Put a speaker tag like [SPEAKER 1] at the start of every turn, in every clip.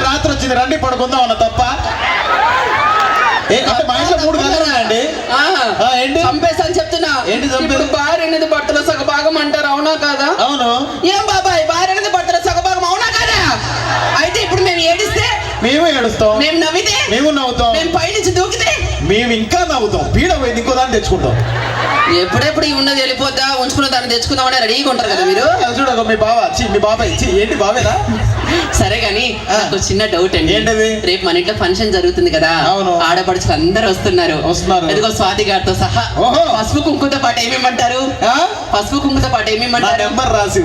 [SPEAKER 1] రాత్రి వచ్చింది, రండి పడుకుందాం అన్న తప్ప. అంటే మా ఇంట్లో 3 గదులు ఉన్నాయండి. ఏంటి
[SPEAKER 2] చంపేసని చెప్తున్నా.
[SPEAKER 1] ఏంటి చంపేది?
[SPEAKER 2] భార్య అనేది భర్తలో సగభాగం అంటారు, అవునా కాదా?
[SPEAKER 1] అవును.
[SPEAKER 2] ఏం బాబాయ్, భార్య అనేది భర్తలో సగభాగం అవునా కాదా? అయితే ఇప్పుడు మేము ఏడిస్తే
[SPEAKER 1] మేము ఏడుస్తాం,
[SPEAKER 2] మేము నవ్వితే
[SPEAKER 1] మేము నవ్వుతాం,
[SPEAKER 2] మేము పైనుంచి దూకితే
[SPEAKER 1] మేము ఇంకా నవ్వుతాం. పీడ పోయింది, ఇంకో దాన్ని తెచ్చుకుంటాం.
[SPEAKER 2] ఎప్పుడెప్పుడు ఉన్నది వెళ్ళిపోద్దా, ఉంచుకున్న దాన్ని తెచ్చుకుందామని రెడీగా ఉంటారు కదా మీరు.
[SPEAKER 1] చూడ మీ బాబాయ్ ఏంటి బావేనా?
[SPEAKER 2] సరే గాని నాకు చిన్న డౌట్ అండి.
[SPEAKER 1] ఏంటది?
[SPEAKER 2] రేపు మన ఇంట్లో ఫంక్షన్ జరుగుతుంది కదా.
[SPEAKER 1] అవును.
[SPEAKER 2] ఆడపడుచులు అందరూ వస్తున్నారు. ఇదిగో స్వాతి గారితో సహా. పసుపు కుంకుమతో పాటు ఏమేమంటారు? పసుపు కుంకుమతో పాటు ఏమేమంటారు?
[SPEAKER 1] నెంబర్ రాసి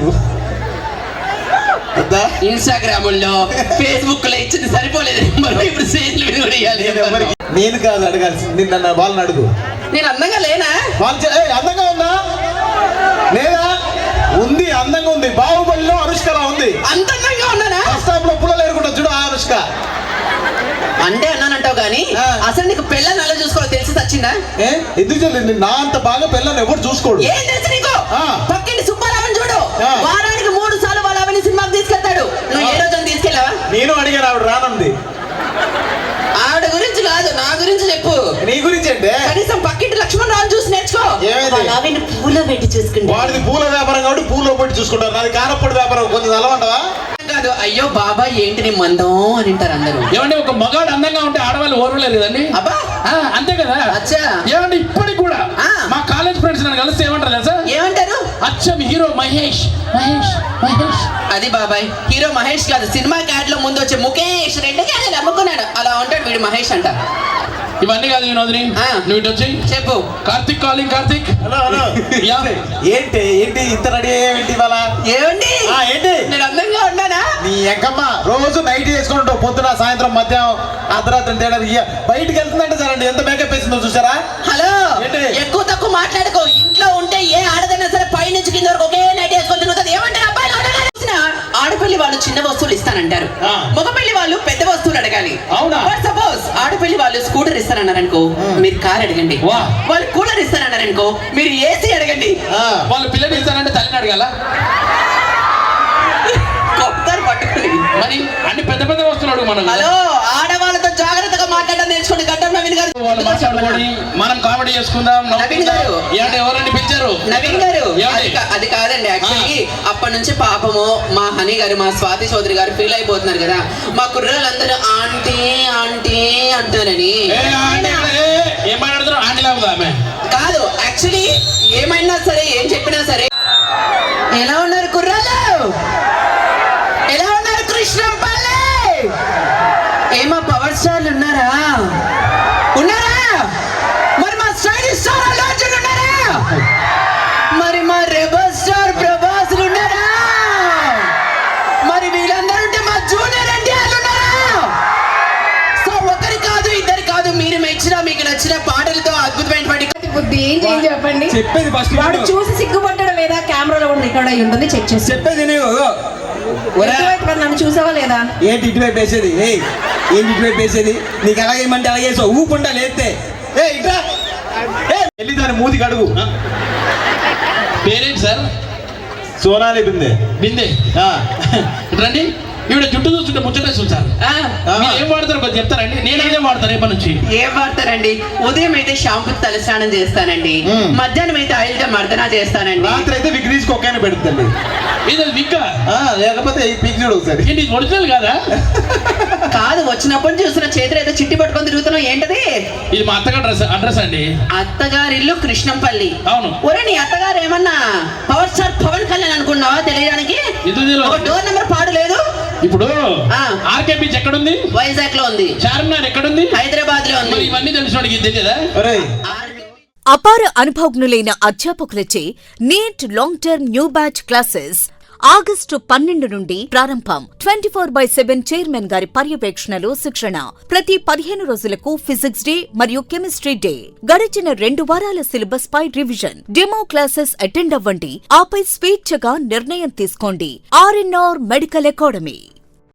[SPEAKER 2] ఇన్స్టాగ్రామ్ లో ఫేస్బుక్ లో ఇచ్చింది సరిపోలేదు. ఇప్పుడు స్టేజ్ల మీద కూడా ఇవ్వాలి.
[SPEAKER 1] నేను కాదు అడగాల్సింది, నన్ను వాళ్ళని అడుగు.
[SPEAKER 2] నేను అందంగా లేనా?
[SPEAKER 1] అందంగా ఉన్నా లేదా? ఉంది, అందంగా ఉంది. బాహుబలిలో అనుష్కలా ఉంది. అంత
[SPEAKER 2] అందంగా ఉన్నానా?
[SPEAKER 1] ఫస్ట్ హాఫ్ లో పుల్లలు ఏరుకుంటా చూడు ఆ అనుష్క.
[SPEAKER 2] అంటే అన్నానంటావు గానీ అసలు నీకు పెళ్ళని అలా చూసుకోవాలి తెలిసి వచ్చిందా?
[SPEAKER 1] ఎందుకు చెల్లింది? నా అంత బాగా పెళ్ళని ఎవరు చూసుకోడు.
[SPEAKER 2] ఏం తెలుసు నీకు? పక్కింటి సుబ్బారావుని చూడు, వారానికి 3 సార్లు వాళ్ళ అవన్నీ సినిమాకి తీసుకెళ్తాడు. నువ్వు ఏ రోజు తీసుకెళ్ళావా?
[SPEAKER 1] నేను అడిగాను, ఆవిడ రానంది.
[SPEAKER 2] ఆవిడ గురించి కాదు, నా గురించి చెప్పు.
[SPEAKER 1] నీ గురించి అంటే
[SPEAKER 2] కనీసం పక్కింటి లక్ష్మణ్ రావు చూసి నేర్చుకో. పూలో పెట్టి చూసుకుంటా.
[SPEAKER 1] వాడిది పూల వ్యాపారం కాబట్టి పూలో పెట్టి చూసుకుంటారు. నాది కారప్పొడి వ్యాపారం. కొంచెం అలవంటవా?
[SPEAKER 2] కాదు, అయ్యో బాబా ఏంటి నీ మందం అని అంటారు అందరూ.
[SPEAKER 3] ఏమంటే ఒక మగాడు అందంగా ఉంటే ఆడవాళ్ళు ఓర్వలేరు కదండి.
[SPEAKER 2] అబ్బా
[SPEAKER 3] అంతే కదా. ఏమంటే ఇప్పటికి కూడా మా కాలేజ్ ఫ్రెండ్స్ నన్ను కలిస్తే ఏమంటారు తెలుసా?
[SPEAKER 2] ఏమంటారు?
[SPEAKER 3] అచ్చం హీరో మహేష్ మహేష్ మహేష్.
[SPEAKER 2] అది బాబాయ్, హీరో మహేష్ కాదు, సినిమా క్యాడ్ లో ముందు వచ్చే ముఖేష్ 2 క్యాడలు అమ్ముకున్నాడు, అలా ఉంటాడు వీడు మహేష్ అంట.
[SPEAKER 3] ఇవన్నీ కాదు వినోదిని, నువ్వు ఇటు వచ్చి
[SPEAKER 2] చెప్పు.
[SPEAKER 3] కార్తిక్ కాలింగ్. కార్తిక్
[SPEAKER 1] ఏంటి ఇంత రెడీ అయ్యేంటి ఇవాళ?
[SPEAKER 2] ఏమండి
[SPEAKER 1] ఏంటి?
[SPEAKER 2] నేను అందంగా ఉన్నానా?
[SPEAKER 1] నీ ఎంకమ్మ రోజు నైట్ చేసుకుంటావు, పొద్దున సాయంత్రం మధ్యాహ్నం అర్ధరాత్రి తేడా. బయటికి వెళ్తుందంటే సరే ఎంత మేకప్ వేసిందో చూసారా?
[SPEAKER 2] హలో, ఎక్కువ తక్కువ మాట్లాడుకో. ఇంట్లో ఉంటే ఏ ఆడదైనా సరే పై నుంచి కింద వరకు ఒకే నైట్ వేసుకొని తిరుగుతుంది. ఏమంటారు అబ్బాయి? ఆడపల్లి వాళ్ళు చిన్న వస్తువులు ఇస్తానంటారు, మగపల్లి వాళ్ళు పెద్ద వస్తువులు అడగాలి. సపోజ్ ఆడపల్లి వాళ్ళు స్కూటర్ ఇస్తానన్నారనుకో, మీరు కార్ అడగండి. వాళ్ళు కూలర్ ఇస్తానన్నారనుకో, మీరు ఏసీ అడగండి.
[SPEAKER 3] వాళ్ళు పిల్లలు ఇస్తానంటే తల్లిని అడగాల.
[SPEAKER 2] పట్టుకుని
[SPEAKER 3] మరి అన్ని పెద్ద పెద్ద వస్తున్నాడు. మనం
[SPEAKER 2] హలో, ఆడవాళ్ళతో జాగ్రత్తగా మాట్లాడడం నేర్చుకోండి. గడ్డం నవీన్ గారు
[SPEAKER 3] మాట్లాడుకోండి, మనం కామెడీ చేసుకుందాం.
[SPEAKER 2] నవీన్ గారు
[SPEAKER 3] ఎవరండి పిలిచారు?
[SPEAKER 2] నవీన్ గారు అది కాదండి. యాక్చువల్లీ అప్పటి నుంచి పాపము మా హనీ గారు, మా స్వాతి చౌదరి గారు ఫీల్ అయిపోతున్నారు కదా, మా కుర్రాళ్ళందరూ ఆంటీ ఆంటీ అంటారని.
[SPEAKER 3] ఏమాట్లాడుతున్నారు? ఆంటీ లాగా ఆమె
[SPEAKER 2] కాదు, యాక్చువల్లీ ఏమైనా సరే ఏం చెప్పినా సరే. ఎలా ఉన్నారు కుర్రాళ్ళు? ఎలా ఉన్నారు కృష్ణంపల్లి? ఏమా పవర్ స్టార్లు ఉన్నారా? మరి మా స్టైలిష్ స్టార్ అల్లు అర్జున్ ఉన్నారా? మరి మా రెబల్ స్టార్ ప్రభాస్ ఉన్నారా? మరి వీళ్ళందరూ ఉంటే మా జూనియర్ ఎన్టీఆర్ ఉన్నారా? సో ఒకరి కాదు ఇద్దరు కాదు, మీరు మెచ్చిన మీకు నచ్చిన పాటలతో అద్భుతమైనటువంటి
[SPEAKER 4] బుద్ధి ఏం చెప్పండి.
[SPEAKER 1] చెప్పేది ఫస్ట్
[SPEAKER 4] వాడు చూసి సిగ్గుపట్టడం లేదా? కెమెరాలో కూడా రికార్డ్ అయ్యి ఉంటుంది, చెక్ చేసి
[SPEAKER 1] చెప్పేది.
[SPEAKER 4] నన్ను చూసావా లేదా?
[SPEAKER 1] ఏంటి ఇటువైపు వేసేది? ఏంటి ఇటువైపు వేసేది? నీకు ఎలాగేయమంటే అలాగే వేసావు, ఊపుంటా లేస్తే. వెళ్ళి దాని మూతికి అడుగు.
[SPEAKER 3] పేరేంటి సార్?
[SPEAKER 1] సోనాలి బిందే.
[SPEAKER 3] బిందే రండి. ఈవిడ జుట్టు చూస్తుంటే ముచ్చటేస్తుంది సార్. ఏం వాడతారు కొంచెం చెప్తారండి? నేను అదే వాడతాను రేపటి నుంచి.
[SPEAKER 2] ఏం వాడతారండి? ఉదయం అయితే షాంపూ తలస్నానం చేస్తానండి, మధ్యాహ్నం అయితే ఆయిల్ గా మర్దనా చేస్తానండి,
[SPEAKER 1] రాత్రి అయితే విగ్ తీసి కొక్కైనా పెడుతుంది.
[SPEAKER 3] ఇది విగ్
[SPEAKER 1] లేకపోతే ఈ పిక్ చూడు ఒకసారి.
[SPEAKER 3] ఏంటి ఒరిజినల్ కాదా?
[SPEAKER 2] కాదు, వచ్చినప్పుడు చూసిన చేతులు అయితే చిట్టి పట్టుకొని తిరుగుతున్నావు, ఏంటది?
[SPEAKER 3] ఇది మా అత్తగారు అడ్రస్ అండి.
[SPEAKER 2] అత్తగారి ఇల్లు కృష్ణంపల్లి.
[SPEAKER 3] అవును.
[SPEAKER 2] ఒరే, నీ అత్తగారు ఏమన్నా పవర్ స్టార్ పవన్ కళ్యాణ్ అనుకున్నావా? తెలియడానికి డోర్ నెంబర్ పాడు లేదు.
[SPEAKER 3] ఇప్పుడు ఆర్కే బీచ్ ఎక్కడుంది?
[SPEAKER 2] వైజాగ్ లో ఉంది.
[SPEAKER 3] చార్మినార్ ఎక్కడుంది?
[SPEAKER 2] హైదరాబాద్ లో ఉంది.
[SPEAKER 3] ఇవన్నీ తెలిసినోడికి తెలియదా?
[SPEAKER 5] అపార అనుభవజ్ఞులైన అధ్యాపకులచే NEET long term new batch classes August 12 నుండి ప్రారంభం. 24/7 చైర్మన్ గారి పర్యవేక్షణలో శిక్షణ. ప్రతి 15 రోజులకు ఫిజిక్స్ డే మరియు కెమిస్ట్రీ డే. గడిచిన 2 వారాల సిలబస్ పై రివిజన్. డెమో క్లాసెస్ అటెండ్ అవ్వండి. ఆపై స్వేచ్ఛగా నిర్ణయం తీసుకోండి. RNR medical academy.